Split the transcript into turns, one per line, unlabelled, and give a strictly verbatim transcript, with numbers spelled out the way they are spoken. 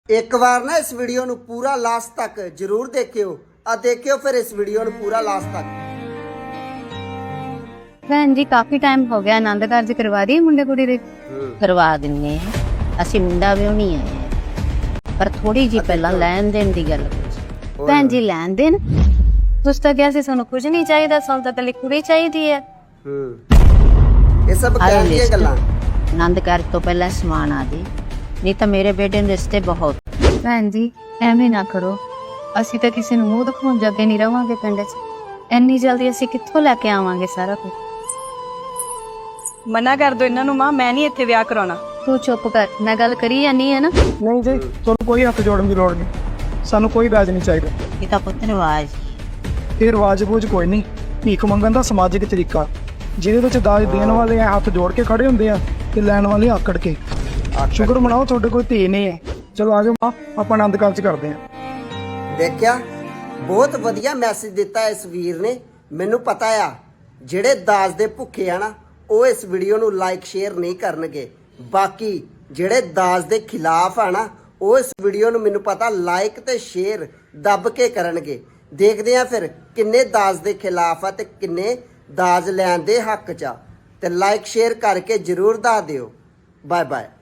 एक बार ना इस वीडियो ਨੂੰ ਪੂਰਾ ਲਾਸਟ ਤੱਕ ਜਰੂਰ ਦੇਖਿਓ ਆ ਦੇਖਿਓ ਫਿਰ ਇਸ ਵੀਡੀਓ ਨੂੰ ਪੂਰਾ ਲਾਸਟ ਤੱਕ।
ਭੈਣ ਜੀ ਕਾਫੀ ਟਾਈਮ ਹੋ ਗਿਆ ਆਨੰਦ ਕਾਰਜ ਕਰਵਾ ਦੀ ਮੁੰਡੇ ਕੁੜੀ ਦੇ
करवा दिन्ने ਅਸੀਂ ਮੁੰਡਾ ਵਿਆਹਣੀ ਆਏ ਪਰ ਥੋੜੀ ਜੀ ਪਹਿਲਾਂ ਲੈਣ ਦੇਣ ਦੀ ਗੱਲ ਕਰੀ।
ਭੈਣ ਜੀ ਲੈਣ ਦੇਣ ਤੁਸੀਂ ਤਾਂ ਕਿਹਾ ਸੀ ਸਾਨੂੰ ਕੁਝ ਨਹੀਂ ਚਾਹੀਦਾ ਸਾਨੂੰ ਤਾਂ ਤਲੀ ਕੁੜੀ ਚਾਹੀਦੀ ਹੈ।
ਹੂੰ ਇਹ ਸਭ ਕਹਿ ਦੀਆਂ ਗੱਲਾਂ
ਆਨੰਦ ਕਾਰਜ ਤੋਂ ਪਹਿਲਾਂ ਸਮਾਨ ਆ ਦੇ ਨਹੀਂ ਤਾਂ ਮੇਰੇ ਬੇਟੇ ਦੇ ਰਿਸ਼ਤੇ ਬਹੁਤ।
ਭੈਣ ਜੀ ਐਵੇਂ ਨਾ ਕਰੋ ਅਸੀਂ ਤਾਂ ਕਿਸੇ ਨੂੰ ਮੂੰਹ ਦਿਖਾਉਣ ਜੋਗੇ ਨਹੀਂ ਰਵਾਂਗੇ ਪਿੰਡ 'ਚ ਇੰਨੀ ਜਲਦੀ ਅਸੀਂ ਕਿੱਥੋਂ ਲੈ ਕੇ ਆਵਾਂਗੇ ਸਾਰਾ ਕੁਝ।
ਮਨਾ ਕਰ ਦੋ ਇਹਨਾਂ ਨੂੰ ਮਾਂ ਮੈਂ ਨਹੀਂ ਇੱਥੇ ਵਿਆਹ ਕਰਾਉਣਾ।
ਤੂੰ ਚੁੱਪ ਕਰ ਮੈਂ ਗੱਲ ਕਰੀ ਜਾਨੀ ਹੈ ਨਾ।
ਨਹੀਂ ਜੀ ਤੁਹਾਨੂੰ ਕੋਈ ਹੱਥ ਜੋੜਨ ਦੀ ਲੋੜ ਨਹੀਂ ਸਾਨੂੰ ਕੋਈ ਵਿਆਜ ਨਹੀਂ ਚਾਹੀਦਾ।
ਇਹ ਤਾਂ ਪੁੱਤ ਰਿਵਾਜ
ਇਹ ਰਿਵਾਜ ਬੂਝ ਕੋਈ ਨਹੀਂ ਭੀਖ ਮੰਗਣ ਦਾ ਸਮਾਜਿਕ ਤਰੀਕਾ ਜਿਹਦੇ ਵਿੱਚ ਦਾਜ ਦੇਣ ਵਾਲੇ ਐਂ ਹੱਥ ਜੋੜ ਕੇ ਖੜੇ ਹੁੰਦੇ ਆ ਤੇ ਲੈਣ ਵਾਲੇ ਆਕੜ ਕੇ। ਸ਼ੁਕਰ ਮਨਾਓ ਤੁਹਾਡੇ ਕੋਲ ਧੀ ਨਹੀਂ ਹੈ। ਚਲੋ ਆਜੋ ਮਾਂ ਆਪਾਂ ਆਨੰਦ ਕਾਰਜ ਕਰਦੇ ਹਾਂ।
ਦੇਖਿਆ ਬਹੁਤ ਵਧੀਆ ਮੈਸੇਜ ਦਿੱਤਾ ਇਸ ਵੀਰ ਨੇ। ਮੈਨੂੰ ਪਤਾ ਆ ਜਿਹੜੇ ਦਾਜ ਦੇ ਭੁੱਖੇ ਆ ਨਾ ਉਹ ਇਸ ਵੀਡੀਓ ਨੂੰ ਲਾਈਕ ਸ਼ੇਅਰ ਨਹੀਂ ਕਰਨਗੇ, ਬਾਕੀ ਜਿਹੜੇ ਦਾਜ ਦੇ ਖਿਲਾਫ ਆ ਨਾ ਉਹ ਇਸ ਵੀਡੀਓ ਨੂੰ ਮੈਨੂੰ ਪਤਾ ਲਾਈਕ ਤੇ ਸ਼ੇਅਰ ਦੱਬ ਕੇ ਕਰਨਗੇ। ਦੇਖਦੇ ਆ ਫਿਰ ਕਿੰਨੇ ਦਾਜ ਦੇ ਖਿਲਾਫ ਆ ਤੇ ਕਿੰਨੇ ਦਾਜ ਲੈਣ ਦੇ ਹੱਕ 'ਚ ਆ। ਤੇ ਲਾਈਕ ਸ਼ੇਅਰ ਕਰਕੇ ਜ਼ਰੂਰ ਦੱਸ ਦਿਓ। Bye bye.